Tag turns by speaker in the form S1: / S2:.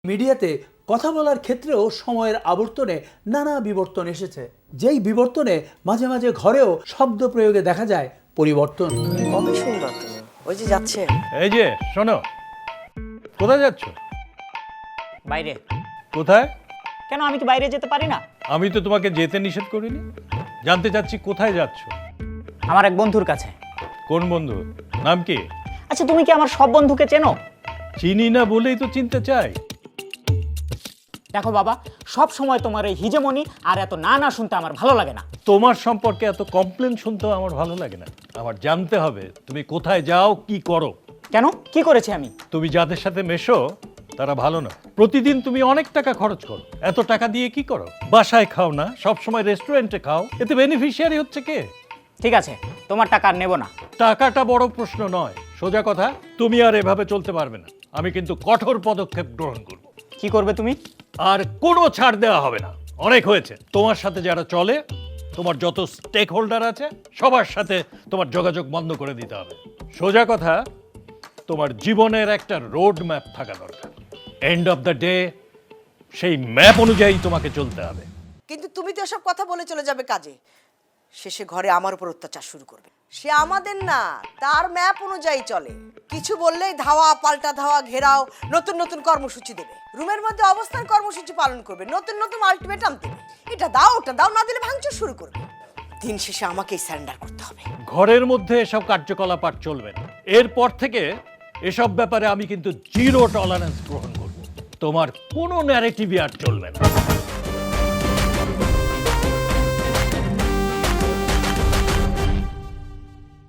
S1: মিডিয়াতে কথা বলার ক্ষেত্রেও সময়ের আবর্তনে নানা বিবর্তন এসেছে, যেই বিবর্তনে মাঝে মাঝে ঘরেও শব্দ প্রয়োগে দেখা যায় পরিবর্তন।
S2: কবে শুনবা তুমি? ওই যে যাচ্ছে।
S3: এই যে শোনো, কোথায় যাচ্ছ?
S4: বাইরে।
S3: কোথায়?
S4: কেন, আমি কি বাইরে যেতে পারি না?
S3: আমি তো তোমাকে যেতে নিষেধ করিনি। জানতে চাচ্ছি কোথায় যাচ্ছ?
S4: আমার এক বন্ধুর কাছে।
S3: কোন বন্ধু? নাম কি?
S4: আচ্ছা, তুমি কি আমার সব বন্ধুকে চেনো?
S3: চিনি না বলেই তো চিনতে চাই।
S4: দেখো বাবা, সব সময় তোমার এই হিজেমনি আর এত না না শুনতে আমার ভালো লাগে না।
S3: তোমার সম্পর্কে এত কমপ্লেন শুনতেও আমার ভালো লাগে না। আমার জানতে হবে তুমি কোথায় যাও, কি করো।
S4: কেন, কি করেছি আমি?
S3: তুমি যাদের সাথে মেশো তারা ভালো না। প্রতিদিন তুমি অনেক টাকা খরচ করো। এত টাকা দিয়ে কি করো? বাসায় খাও না, সব সময় রেস্টুরেন্টে খাও। এতে বেনিফিশিয়ারি হচ্ছে কে?
S4: ঠিক আছে, তোমার টাকা আর নেব না।
S3: টাকাটা বড় প্রশ্ন নয়, সোজা কথা, তুমি আর এভাবে চলতে পারবে না। আমি কিন্তু কঠোর পদক্ষেপ গ্রহণ করব।
S4: কি করবে তুমি?
S3: আর কোনো ছাড় দেওয়া হবে না। অনেক হয়েছে। তোমার সাথে যারা চলে, তোমার যত স্টেক হোল্ডার আছে, সবার সাথে তোমার যোগাযোগ বন্ধ করে দিতে হবে। সোজা কথা, তোমার জীবনের একটা রোড ম্যাপ থাকা দরকার। এন্ড অফ দ্য ডে সেই ম্যাপ অনুযায়ী তোমাকে চলতে হবে।
S2: কিন্তু তুমি তো এসব কথা বলে চলে যাবে কাজে, শেষে ঘরে আমার উপর অত্যাচার শুরু করবে। সে আমাদের না, তার ম্যাপ অনুযায়ী চলে। কিছু বললেই ধাওয়া, পাল্টা ধাওয়া, ঘেরাও, নতুন নতুন কর্মসূচি দেবে। রুমের মধ্যে অবস্থান কর্মসূচি পালন করবে, নতুন নতুন আলটিমেটাম দেবে। এটা দাও, ওটা দাও, না দিলে ভাঙচুর শুরু করবে। দিন শেষে আমাকেই স্যারেন্ডার করতে হবে।
S3: ঘরের মধ্যে এসব কার্যকলাপ আর চলবে না। এরপর থেকে এসব ব্যাপারে আমি কিন্তু জিরো টলারেন্স গ্রহণ করব। তোমার কোনো ন্যারেটিভই আর চলবে না।